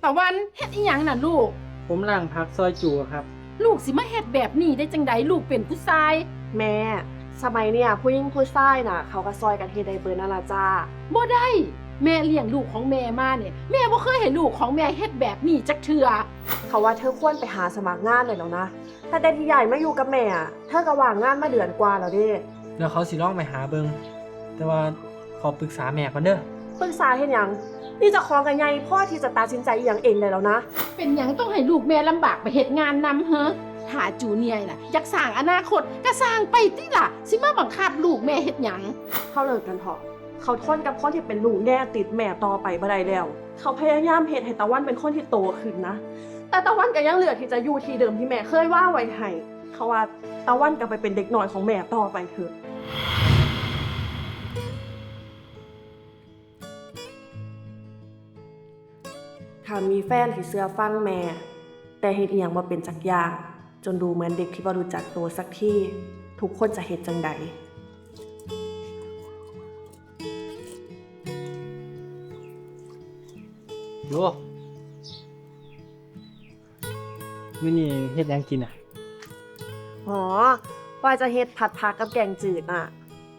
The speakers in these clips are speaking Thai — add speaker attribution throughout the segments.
Speaker 1: ตะวันเฮ็ดอีหยังน่ะลูก
Speaker 2: ผมล้างผักซอยจูครับ
Speaker 1: ลูกสิมาเฮ็ดแบบนี้ได้จังใดลูกเป็นผู้ชาย
Speaker 3: แม่สมัยเนี่ยผู้หญิงผู้ชายน่ะเขาก็ซอยกันเฮ็ดได้เบิดนั่นล่ะจ้า
Speaker 1: บ่ได้แม่เลี้ยงลูกของแม่มาเนี่ยแม่บ่เคยเห็นลูกของแม่เฮ็ดแบบนี้จักเทื่อ
Speaker 3: เขาว่าเธอควรไปหาสมัครงานเลยแล้วนะแต่ที่ใหญ่มาอยู่กับแม่เธอก็ว่างงานมาเดือนกว่าแล้วเด้
Speaker 2: แล้วเขาสิลองไปหาเบิงแต่ว่าขอปรึกษาแม่ก่อนเด้อ
Speaker 3: ปรึกษาเฮ็ดหยังนี่จะของกันใหญ่พ่อที่จะตัดสินใจอหย่างเองได้แล้วนะ
Speaker 1: เป็นหยังต้องให้ลูกแม่ลำบากไปเฮ็ดงานนำเฮ้อหาจูเนียร์น่ะอยากสร้างอนาคตก็สร้างไปติล่ะสิมาบังคับลูกแม่เฮ็ดหยัง
Speaker 3: เขาเลิกกันเถอะเขาทนกับคนที่เป็นลูกแน่ติดแม่ต่อไปบ่ได้แล้วเขาพยายามเฮ็ดให้ตะวันเป็นคนที่โตขึ้นนะแต่ตะวันก็ยังเหลือที่จะอยู่ที่เดิมที่แม่เคยว่าไว้ให้เขาว่าตะวันก็ไปเป็นเด็กน้อยของแม่ต่อไปเถอะถ้ามีแฟนที่เชื่อฟังแม่แต่เฮ็ดอีหยังบ่เป็นจักอย่างจนดูเหมือนเด็กที่บ่รู้จักตัวสักทีทุกคนจะเฮ็ดจังใด
Speaker 2: โยมื้อนี้เฮ็ดหยังกินอ่ะ
Speaker 3: อ๋อว่าจะเฮ็ดผัดผักกับแกงจืดน่ะ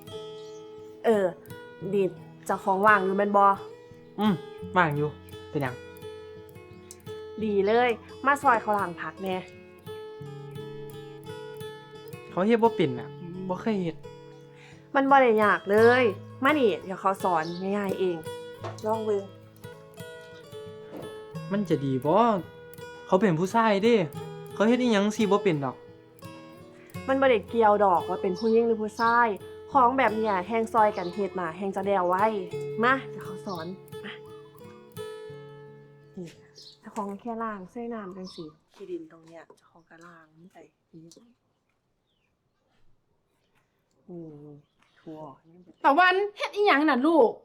Speaker 3: ดิดเจ้าของว่างอยู่แม่นบ่
Speaker 2: ว่างอยู่เป็นหยัง
Speaker 3: ดีเลยมาซอยเขาล้างผักแน่
Speaker 2: เขาเฮ็ดบ่เป็นอ่ะบ่เคยเฮ็ด
Speaker 3: มันบ่ได้ยากเลยมานี่เดี๋ยวเขาสอนง่ายๆเองลองเบิ่ง
Speaker 2: มันจะดีบ่เขาเป็นผู้ชายเด้เขาเฮ็ดอีหยังสิบ่เป็นดอก
Speaker 3: มันบ่ได้เกี่ยวดอกว่าเป็นผู้หญิงหรือผู้ชายของแบบเนี้ยแฮงซอยกันเฮ็ดน่ะแฮงจะได้เอาไว้มาเดี๋ยวเขาสอนมานี่ถ้าของแค่ล้างใส่น้ำจังซี่ขี้ดินตรงเนี้ยเจ้าของก็ล้างมันไปทั่ว
Speaker 1: ตะวันเฮ็ดอีหยังน่ะลูก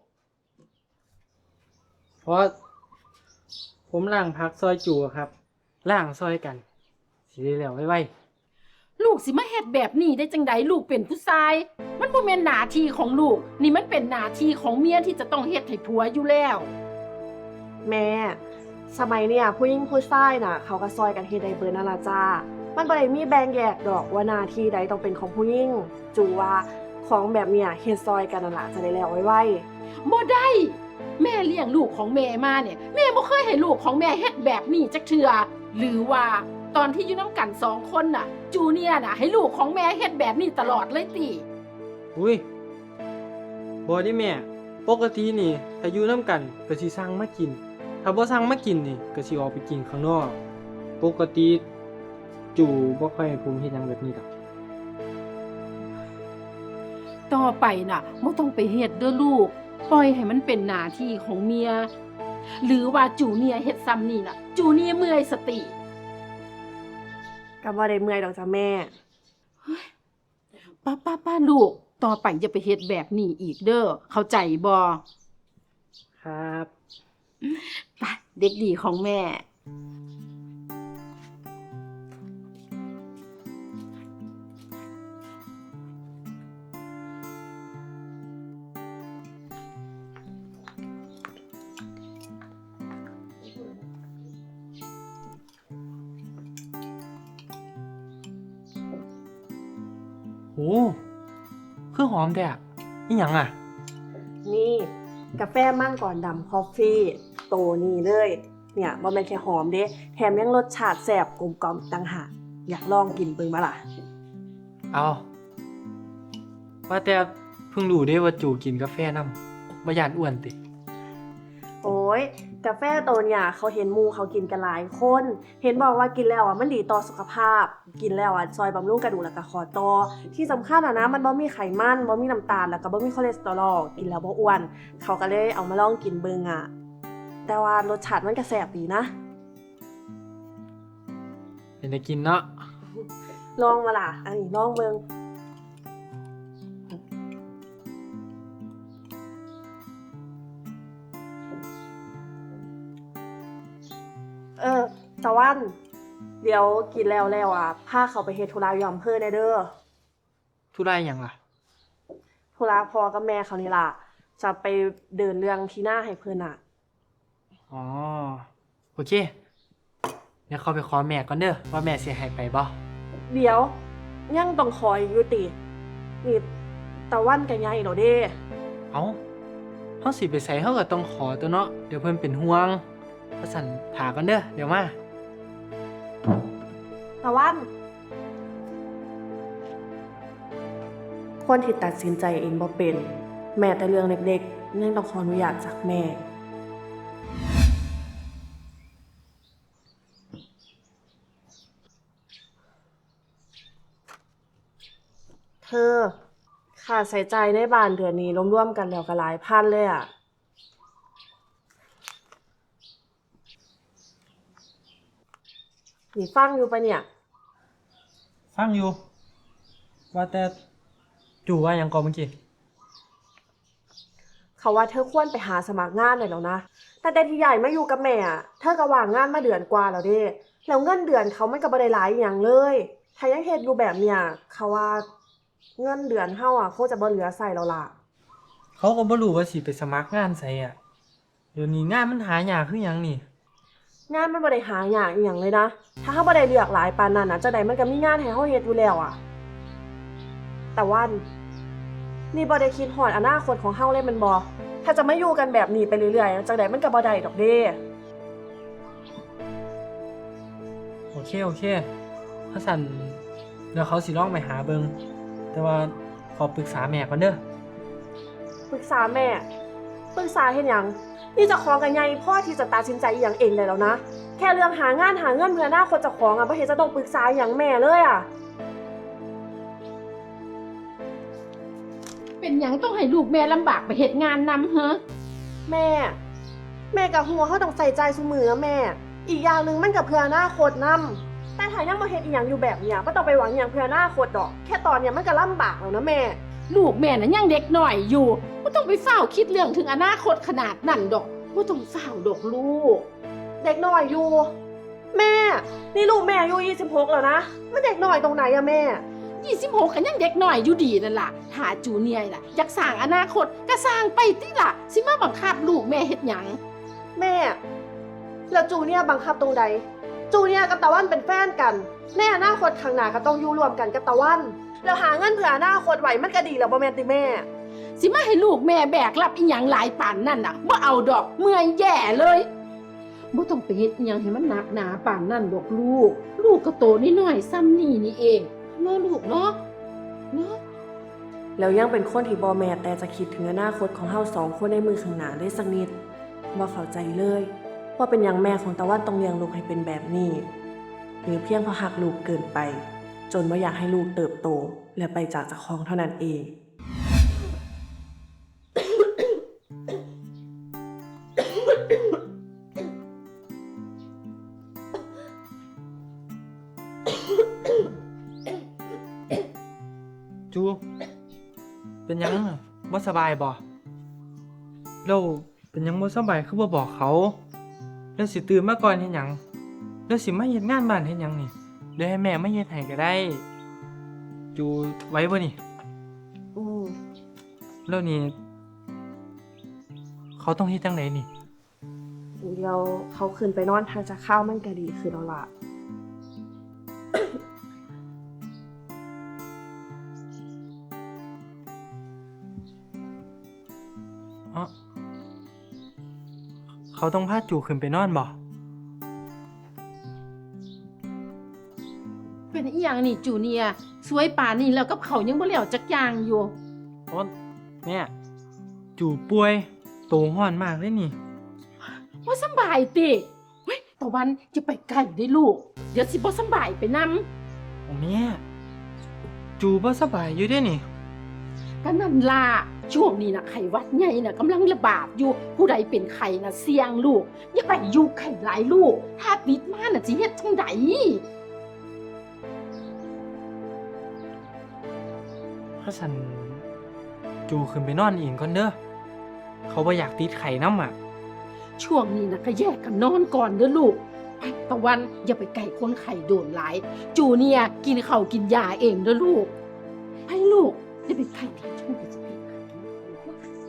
Speaker 2: เพราะผมล้างผักซอยจูครับล้างซอยกันสิได้แล้วไว
Speaker 1: ลูกสิมาเฮ็ดแบบนี้ได้จังใดลูกเป็นผู้ชายมันบ่แม่นหน้าที่ของลูกนี่มันเป็นหน้าที่ของเมียที่จะต้องเฮ็ดให้ผัวอยู่แล้ว
Speaker 3: แม่สมัยเนี่ยผู้หญิงผู้ชายน่ะเขาก็ซอยกันเฮ็ดได้เบิดนั่นล่ะจ้ามันบ่ได้มีแบ่งแยกดอกว่าหน้าที่ใดต้องเป็นของผู้หญิงจูว่าของแบบเนี้ยเฮ็ดซอยกันนั่นล่ะจะได้แล้วไว
Speaker 1: ๆบ่ได้แม่เลี้ยงลูกของแม่มาเนี่ยแม่บ่เคยให้ลูกของแม่เฮ็ดแบบนี้จักเทื่อหรือว่าตอนที่อยู่นำกัน2คนน่ะจูเนียร์น่ะให้ลูกของแม่เฮ็ดแบบนี้ตลอดเลยติ
Speaker 2: อุ้ยบ่ได้แม่ปกตินี่ถ้าอยู่นำกันก็สิสั่งมากินถ้าบ่สั่งมากินนี่ก็สิออกไปกินข้างนอกปกติจูบ่ค่อยให้ผมเฮ็ดหยังแบบนี้ดอก
Speaker 1: ต่อไปน่ะบ่ต้องไปเฮ็ดเด้อลูกปล่อยให้มันเป็นหน้าที่ของเมียหรือว่าจูเนียร์เฮ็ดซ้ำนี่น่ะจูเนียร์เมื่อยสติ
Speaker 3: ก็บ่ได้เมื่อยดอกจ้ะแม่
Speaker 1: ป้าลูกต่อไปอย่าไปเฮ็ดแบบนี้อีกเด้อเข้าใจบ่
Speaker 2: ครับ
Speaker 1: ไปเด็กดีของแม่
Speaker 2: โอ้คือหอมแท้อะอีหยังอ่ะ
Speaker 3: นี่กาแฟมั่งก่อนดำคอฟฟี่โตนี่เลยเนี่ยบ่แม่นแค่หอมเด้แถมยังรสชาติแซ่บกลมกล่อมต่างหากอยากลองกินเบิ่งบ่ล่ะ
Speaker 2: เอาว่าแต่เพิ่งรู้ได้ว่าจูกินกาแฟนำบ่ย้านอ้วนติ
Speaker 3: โอ้ยกาแฟโตเนี่ยเขาเห็นหมู่เขากินกันหลายคนเห็นบอกว่ากินแล้วมันดีต่อสุขภาพกินแล้วซอยบำรุงกระดูกแล้วก็ข้อต่อที่สำคัญนะมันบ่มีไขมันบ่มีน้ำตาลแล้วก็บ่มีคอเลสเตอรอลกินแล้วบ่อ้วนเขาก็เลยเอามาลองกินเบิ่งแต่ว่ารสชาติมันก็แซ่บดีนะ
Speaker 2: เป็นได้กินเนาะ
Speaker 3: ลองมาล่ะอันนี้ลองเบิ่งตะวันเดี๋ยวกินแล้วพาเขาไปเฮ็ดธุระอยู่อำเภอแน่เด้อ
Speaker 2: ธุระหยังล่ะ
Speaker 3: ธุระพ่อกับแม่เขานี่ล่ะจะไปเดินเรื่องที่หน้าให้เพิ่น
Speaker 2: อ๋อโอเคเดี๋ยวเขาไปขอแม่ก่อนเด้อว่าแม่สิให้ไปบ่
Speaker 3: เดี๋ยวยังต้องขออีกอยู่ตินี่ตะวันกันยายเหรอเด้
Speaker 2: เอ้าเฮาสิไปใส่เฮาก็ต้องขอตัวเนาะเดี๋ยวเพิ่นเป็นห่วงว่าสั่นถาก่อนเด้อเดี๋ยวมา
Speaker 3: ตะวันคนที่ตัดสินใจเองบ่เป็น แม้แต่เรื่องเล็กๆยังต้องขออนุญาตจากแม่ เธอค่าใช้จ่ายในบ้านเดือนนี้รวมๆกันแล้วก็หลายพันเลยอ่ะ นี่ฟังอยู่ปะเนี่ย
Speaker 2: ฟังอยู่ ว่าแต่จู่ว่าหยังก่อนเมื่อกี้
Speaker 3: เขาว่าเธอควรไปหาสมัครงานเลยแล้วนะแต่ที่ใหญ่มาอยู่กับแม่อะเธอก็ว่างงานมาเดือนกว่าแล้วเด้แล้วเงินเดือนเขาไม่ก็บ่ได้หลายอหย่างเลย ถ้ายังเฮ็ดอยู่แบบเนี้ยเขาว่าเงินเดือนเฮาอ่ะคงจะบ่เหลือใส่แล้วล่ะ
Speaker 2: เขาก็บ่รู้ว่าสิไปสมัครงานไสอ่ะเดี๋ยวนี้งานมันหายากคือหยังนี่
Speaker 3: งานมันบ่ได้หายากอหย่างเลยนะ ถ้าเฮาบ่ได้เลือกหลายปานนั้นน่ะจังไดมันก็มีงานให้เฮาเฮ็ดอยู่แล้วอ่ะ แต่ว่านี่บ่ได้คิดฮอดอนาคตของเฮาเลยแมันบ่ถ้าจะมาอยู่กันแบบนี้ไปเรื่อยๆจังไดมันก็บ่ได้ดอกเด้
Speaker 2: โอเคถ้าสั่นเดี๋ยวเขาสิลองไปหาเบิงแต่ว่าขอปรึกษาแม่ก่อนเด้อ
Speaker 3: ปรึกษาแม่ปรึกษาเฮ็ดหยังนี่เจะของกันใหญ่พ่อที่จะตัดสินใจอหย่างเองได้แล้วนะ แค่เรื่องหางานหาเงินเพื่ออนาคตเจ้าของอ่ะบ่เห็นจะต้องปรึกษาอหย่างแม่เลยอ่ะ
Speaker 1: เป็นหยังต้องให้ลูกแม่ลำบากไปเฮ็ดงานนำเฮะ
Speaker 3: แม่กับหัวเขาต้องใส่ใจซุมือนะแม่ อีกอย่างหนึ่งมันกับเพื่ออนาคตนำแต่ถ้ายังมาเฮ็ดอีหยังอยู่แบบเนี้ยบ่ต้องไปหวังอหย่างเพื่ออนาคตดอก แค่ตอนเนี้ยมันก็ลำบากแล้วนะแม่
Speaker 1: ลูกแม่น่ะยังเด็กหน่อยอยู่บ่ต้องไปเฝ้าคิดเรื่องถึงอนาคตขนาดนั้นดอกบ่ต้องเฝ้าดอกลูก
Speaker 3: เด็กน้อยอยู่ แม่ นี่ลูกแม่อายุ26แล้วนะมันเด็กน้อยตรงไหนอะแม่
Speaker 1: 26ก็ยังเด็กหน่อยอยู่ดีนั่นล่ะถ้าจูเนียร์ล่ะอยากสร้างอนาคตก็สร้างไปติล่ะสิมาบังคับลูกแม่เฮ็ดหยัง
Speaker 3: แม่ แล้วจูเนี่ยบังคับตรงใด จูเนี่ยกับตะวันเป็นแฟนกันในอนาคตข้างหน้าก็ต้องอยู่รวมกันกับตะวัน แล้วหาเงินเพื่ออนาคตไว้มันก็ดีแล้วบ่แม่นติแม่
Speaker 1: สิมาให้ลูกแม่แบกรับอีหยังหลายปานนั่นน่ะบ่เอาดอกเมื่อยแย่เลยบ่ต้องไปเฮ็ดอีหยังให้มันหนักหนาปานนั่นดอกลูก ลูกก็โตนิดหน่อยซ้ำนี่เองเนาะลูกเนาะ
Speaker 3: แล้วยังเป็นคนที่บ่แม่นแต่จะคิดถึงอนาคตของเฮาสองคนในมือข้างหน้าได้สักนิดบ่เข้าใจเลยว่าเป็นหยังแม่ของตะวันต้องเลี้ยงลูกให้เป็นแบบนี้หรือเพียงเพราะหักลูกเกินไป จนบ่อยากให้ลูกเติบโตและไปจากเจ้าของเท่านั้นเอง
Speaker 2: จูเป็นหยังอะบ่สบายบ่แล้วเป็นหยังบ่สบายคือบ่บอกเขาแล้วสิตื่นมาก่อนเฮ็ดหยังแล้วสิมาเฮ็ดงานบ้านเฮ็ดหยังนี่เดี๋ยวให้แม่มาเฮ็ดให้ก็ได้ จูไหว้บ่นี่
Speaker 3: อืม
Speaker 2: แล้วนี่เขาต้องเฮ็ดจังไดนี่
Speaker 3: เดี๋ยวเขาขึ้นไปนอนทางจะข้าวมันก็ดีคือแล้วล่ะ
Speaker 2: อ๋อเขาต้องพาจูขึ้นไปนอนบ่
Speaker 1: เป็นอีหยังนี่จูเนียร์สวยป่านนี่แล้วกับเขายังบ่แล้วจักอย่างอยู่
Speaker 2: โอ๊ยแม่จูป่วยโตฮ้อนมากเลยนี่
Speaker 1: ว่าสำบายติเฮ้ยตะวันจะไปไกลได้ลูก เดี๋ยวสิบ่สำบายไปนำ
Speaker 2: โอ้แม่จูบ่สบายอยู่เด้นี่
Speaker 1: ก็นั่นล่ะช่วงนี้นะไข้หวัดใหญ่น่ะกำลังระบาดอยู่ ผู้ใดเป็นไข้น่ะเสี่ยงลูก อย่าไปอยู่ไข้หลายลูก ถ้าติดมาน่ะสิเฮ็ดจังได
Speaker 2: ถ้าสันจูขึ้นไปนอนเองก่อนเด้อเขาบ่อยากติดไข่น้ำอ่ะ
Speaker 1: ช่วงนี้นะก็แยกกันนอนก่อนเด้อลูกไปตะวันอย่าไปไก่คนไข้โดนหลาย จูเนี่ยกินข้าวกินยาเองเด้อลูกไปลูกอย่าไปไก่ที่ช่วงนี้จะไปไข้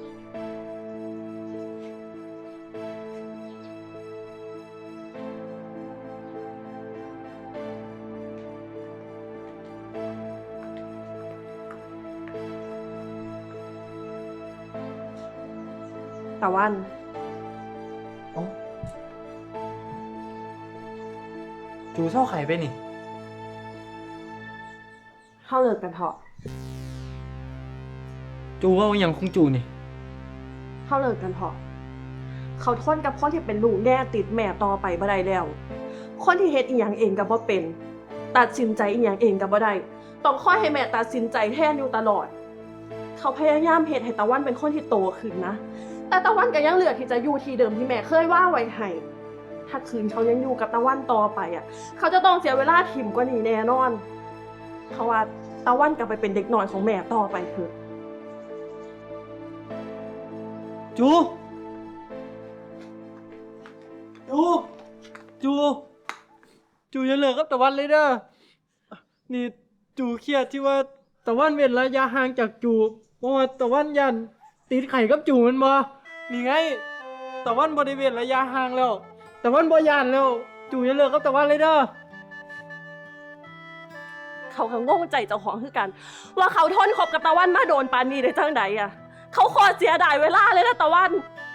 Speaker 3: ตะวัน
Speaker 2: เอ้าจูเศร้าไข่ไปนี่
Speaker 3: เข้าเลิกกันเถอะ
Speaker 2: จูว่าอหย่างของจูนี่
Speaker 3: เข้าเลิกกันเถอะเขาทนกับคนที่เป็นลูกแน่ติดแม่ต่อไปบ่ได้แล้ว คนที่เฮ็ดอีหยังเองก็บ่เป็น ตัดสินใจอีหยังเองก็บ่ได้ต้องคอยให้แม่ตัดสินใจแทนอยู่ตลอด เขาพยายามเฮ็ดให้ตะวันเป็นคนที่โตขึ้นนะ แต่ตะวันก็ยังเลือกที่จะอยู่ที่เดิมที่แม่เคยว่าไว้ให้ถ้าคืนเขายังอยู่กับตะวันต่อไปอ่ะ เขาจะต้องเสียเวลาถิ่มกว่านี้แน่นอนเพราะว่าตะวันกลับไปเป็นเด็กน้อยของแม่ต่อไปเถอะ
Speaker 2: จูอย่าเลิกกับตะวันเลยเด้อ นี่จูเครียดที่ว่าตะวันเว้นระยะห่างจากจูเพราะว่าตะวันยันติดไข่กับจูมันบ่นี่ไงตะวันบ่ได้เว้นระยะห่างแล้วตะวันบ่ยันแล้วจูอย่าเลิกกับตะวันเลยเด้อ
Speaker 3: เขาก็งงใจเจ้าของคือกัน ว่าเขาทนคบกับตะวันมาโดนปานนี้ได้จังใดอ่ะ เขาขอเสียดายเวลาเลยนะตะวัน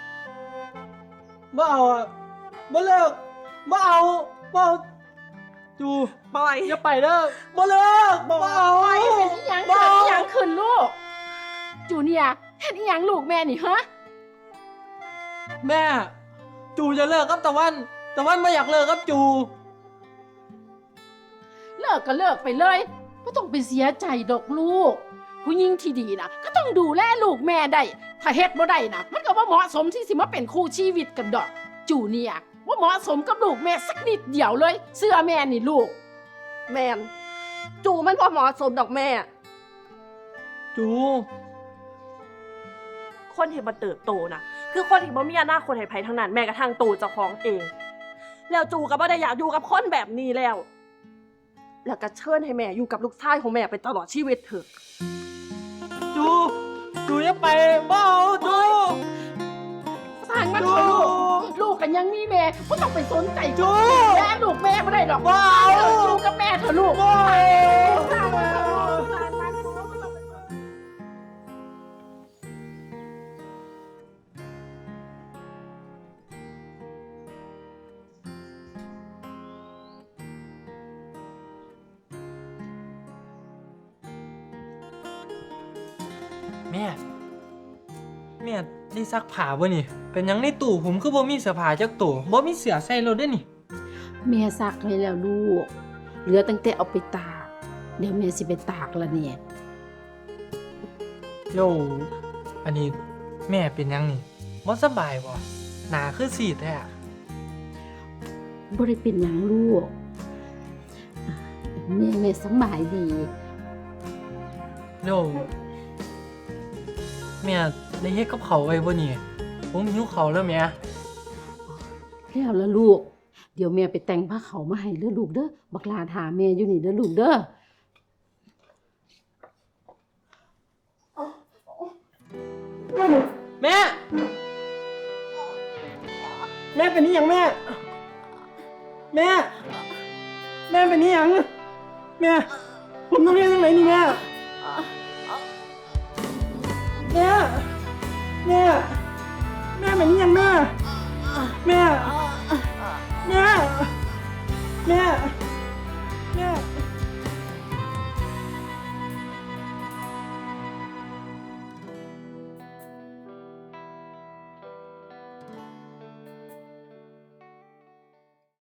Speaker 2: บ่เอาอ่ะบ่เลิกบ่เอาจู
Speaker 3: ปล่อย
Speaker 2: อย่าไปเด้อบ่เลิกบ่เอา
Speaker 1: ไปเป็นอีหยังเกิดอีหยังขึ้นลูก จูเนียร์เห็นอีหยังลูกแม่นี่ฮะ
Speaker 2: แม่จูจะเลิกกับตะวันไม่อยากเลิกกับจู
Speaker 1: เลิกก็เลิกไปเลยไม่ต้องไปเสียใจดอกลูก ผู้หญิงที่ดีนะก็ต้องดูแลลูกแม่ได้ถ้าเฮ็ดบ่ได้นะมันก็บ่เหมาะสมที่สิมาเป็นคู่ชีวิตกันดอก จูเนียร์ว่าเหมาะสมกับลูกแม่สักนิดเดียวเลย เสื้อแม่นี่ลูก
Speaker 3: แมนจูมันพอเหมาะสมดอกแม่
Speaker 2: จู
Speaker 3: คนที่มาเติบโตนะคือคนที่บ่มีอนาคตให้ไผทั้งนั้นแม้กระทั่งตัวเจ้าของเอง แล้วจูก็บ่ได้อยากอยู่กับคนแบบนี้แล้ว แล้วก็เชิญให้แม่อยู่กับลูกชายของแม่ไปตลอดชีวิตเถอะ
Speaker 2: จูอย่าไปบ่เอาจู
Speaker 1: สร้างมันเถอะลูกกันยังมีแม่ไม่ต้องไปสนใจ
Speaker 2: จู
Speaker 1: แม่ลูกแม่ไม่ได้หรอก
Speaker 2: บ่เอา
Speaker 1: ลูกกับแม่เถอะลูก
Speaker 2: บ่เอา แม่ได้ซักผ้าบ่นี่ เป็นหยังในตู้ผมคือบ่มีเสื้อผ้าจักตัวบ่มีเสื้อใส่รถเด้อนี่
Speaker 1: แม่ซักให้แล้วลูก เหลือตั้งแต่เอาไปตาก เดี๋ยวแม่สิไปตากละเนี่ย
Speaker 2: โยอันนี้แม่เป็นหยังนี่บ่สบายบ่หน้าคือซีดแท้อะ
Speaker 1: บ่ได้เป็นหยังลูกแม่สำบายดี
Speaker 2: โยแม่ได้เฮ็ดกับข้าวไว้บ่นี่ผมหิวข้าวแล้วแม่
Speaker 1: แล้วละลูก เดี๋ยวแม่ไปแต่งผ้าขาวมาให้เด้อลูกเด้อ บักลาถามแม่อยู่นี่เด้อลูกเด้อ
Speaker 2: แม่เป็นนี่หยังแม่เป็นนี่หยังแม่ผมต้องเรียนทางไหนนี่แม่เป็นนี่หยังแม่